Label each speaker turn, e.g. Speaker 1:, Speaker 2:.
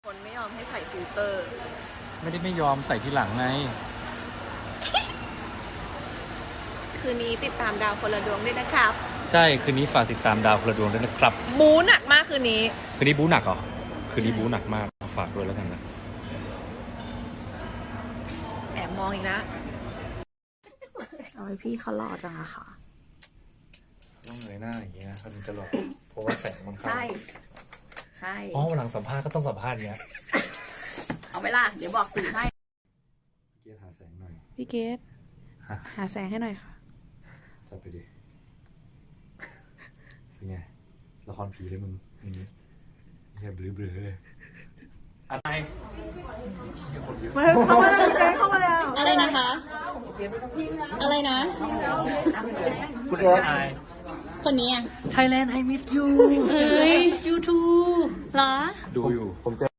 Speaker 1: คนไม่ยอมให้ใส่ฟิลเตอร์
Speaker 2: ไม่ได้ไม่ยอมใส่ทีหลังไง
Speaker 1: คืนนี้ติดตามดาวคนละดวงด้วยนะครับ
Speaker 2: ใช่ คืนนี้ฝากติดตามดาวพลดวงด้วยนะครับ
Speaker 1: บูหนักมากคืนนี้
Speaker 2: คืนนี้บู๊หนักเหรอ คืนนี้บู๊หนักมากฝากด้วยแล้วกันนะ
Speaker 1: แอบมองอีกนะ
Speaker 3: เอาไว้พี่เขาหล่อจังอะค่ะ
Speaker 2: ต้องเงยหน้าอย่างเงี้ยเขาถึงจะหลอกเพราะว่าแสงมันเข้า
Speaker 1: ใช่ ใช่
Speaker 2: อ๋อหลังสัมภาษณ์ก็ต้องสัมภาษณ์เงี้ย
Speaker 1: เอาไปล่ะ เดี๋ยวบอกสื่อให้
Speaker 2: เกียร์หาแสงหน่อย
Speaker 3: พี่เกดหาแสงให้หน่อยค่ะ
Speaker 2: จัดไปดิ เป็นไง ละครผีเลยมึงอย่างนี้แค่เบลอๆเลยอะไร
Speaker 4: อะไรนะคะ อะไรนะ
Speaker 2: คุณเอไอ
Speaker 4: คนนี้อ่ะ
Speaker 2: Thailand I miss you
Speaker 4: เอ้ย
Speaker 2: you too
Speaker 4: เหรอ
Speaker 2: ดูอยู่ผมจะ